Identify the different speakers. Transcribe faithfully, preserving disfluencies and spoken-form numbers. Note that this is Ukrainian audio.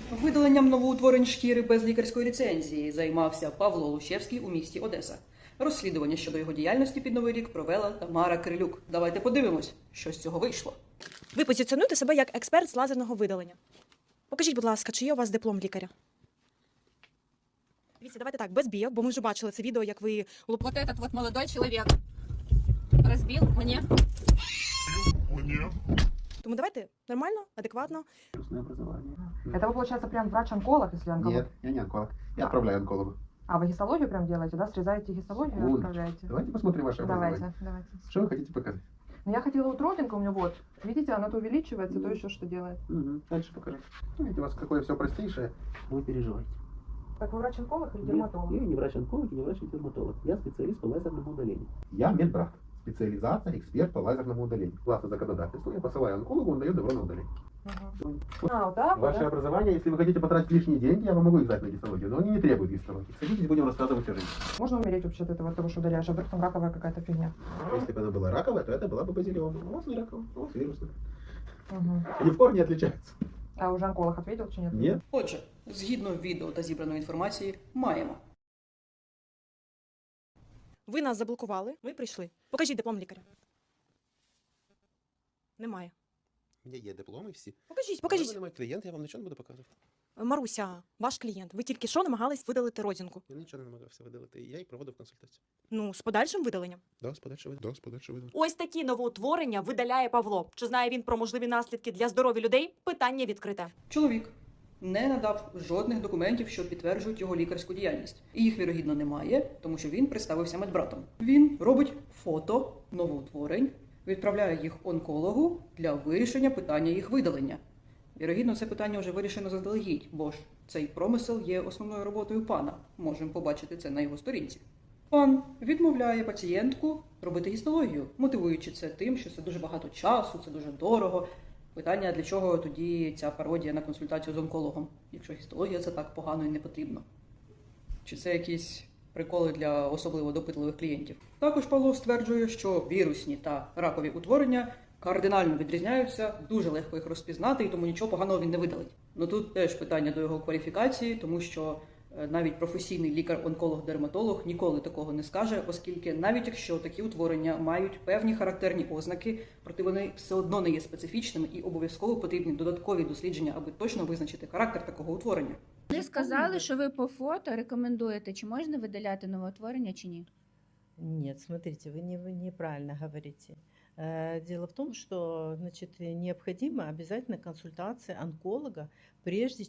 Speaker 1: Видаленням новоутворень шкіри без лікарської ліцензії займався Павло Лущевський у місті Одеса. Розслідування щодо його діяльності під Новий рік провела Тамара Крилюк. Давайте подивимось, що з цього вийшло.
Speaker 2: Ви позиціонуєте себе як експерт з лазерного видалення. Покажіть, будь ласка, чи є у вас диплом лікаря? Дивіться, давайте так, без бійок, бо ми вже бачили це відео, як ви...
Speaker 3: Вот этот вот молодой человек разбил мне.
Speaker 4: Мне.
Speaker 2: Тому давайте нормально, адекватно.
Speaker 5: Образование.
Speaker 6: Это вы, получается, прям врач-онколог, если онколог?
Speaker 5: Нет, я не онколог. Я отправляю онкологу.
Speaker 6: А, вы гистологию прям делаете, да? Срезаете гистологию и
Speaker 5: Вон.
Speaker 6: отправляете?
Speaker 5: Давайте посмотрим ваше образование.
Speaker 6: Давайте, давайте.
Speaker 5: Что вы хотите показать?
Speaker 6: Ну, я хотела вот родинка у меня вот. Видите, она то увеличивается, то еще что делает.
Speaker 5: Угу. Дальше покажу. Ну, видите, у вас какое все простейшее. Вы переживаете.
Speaker 6: Так вы врач-онколог или
Speaker 7: Нет,
Speaker 6: дерматолог?
Speaker 7: я не врач-онколог и не врач-дерматолог. Я специалист по лазерному удалению.
Speaker 5: Я медбрат. Специализация, эксперт по лазерному удалению. Класса законодательства. Я посылаю онкологу, он дает добро на удаление.
Speaker 6: Мгм. А, вот так вот,
Speaker 5: Ваше
Speaker 6: да?
Speaker 5: образование, если вы хотите потратить лишние деньги, я вам могу их дать на гистологию, но они не требуют гистологии. Садитесь, будем рассказывать о жизни.
Speaker 6: Можно умереть вообще от этого, от того, что удаляешь, а вдруг там раковая какая-то фигня?
Speaker 5: Если бы она была раковая, то это была бы базилиома. У вас не раковая, у вас вирусная.
Speaker 6: Угу.
Speaker 5: Они в корне отличаются.
Speaker 6: А уже онколог ответил, чи нет?
Speaker 5: Нет.
Speaker 1: Отже, згідно відео та зібраної інформації, маємо.
Speaker 2: Ви нас заблокували, ми прийшли. Покажіть диплом лікаря. Немає.
Speaker 8: У мене є дипломи всі.
Speaker 2: Покажіть,
Speaker 8: Ви
Speaker 2: покажіть.
Speaker 8: мене мій клієнт, я вам нічого не буду показувати.
Speaker 2: Маруся, ваш клієнт, ви тільки що намагались видалити родинку.
Speaker 8: Я нічого не намагався видалити. Я і проводив консультацію.
Speaker 2: Ну, з подальшим видаленням.
Speaker 8: Да, з подальше видалення. Да, з подальше видалення.
Speaker 2: Ось такі новоутворення видаляє Павло. Чи знає він про можливі наслідки для здоров'я людей? Питання відкрите.
Speaker 1: Чоловік не надав жодних документів, що підтверджують його лікарську діяльність. І їх, вірогідно, немає, тому що він представився медбратом. Він робить фото новоутворень, відправляє їх онкологу для вирішення питання їх видалення. Вірогідно, це питання вже вирішено заздалегідь, бо ж цей промисел є основною роботою пана. Можемо побачити це на його сторінці. Пан відмовляє пацієнтку робити гістологію, мотивуючи це тим, що це дуже багато часу, це дуже дорого. Питання, для чого тоді ця пародія на консультацію з онкологом, якщо гістологія це так погано і не потрібно. Чи це якісь приколи для особливо допитливих клієнтів? Також Павло стверджує, що вірусні та ракові утворення кардинально відрізняються, дуже легко їх розпізнати, і тому нічого поганого він не видалить. Ну тут теж питання до його кваліфікації, тому що е, навіть професійний лікар-онколог-дерматолог ніколи такого не скаже, оскільки навіть якщо такі утворення мають певні характерні ознаки, проте вони все одно не є специфічними і обов'язково потрібні додаткові дослідження, аби точно визначити характер такого утворення.
Speaker 3: Ви сказали, що ви по фото рекомендуєте, чи можна видаляти новоутворення, чи ні?
Speaker 9: Нет, смотрите, вы, не, вы неправильно говорите. Э, Дело в том, что значит, необходима обязательно консультация онколога, прежде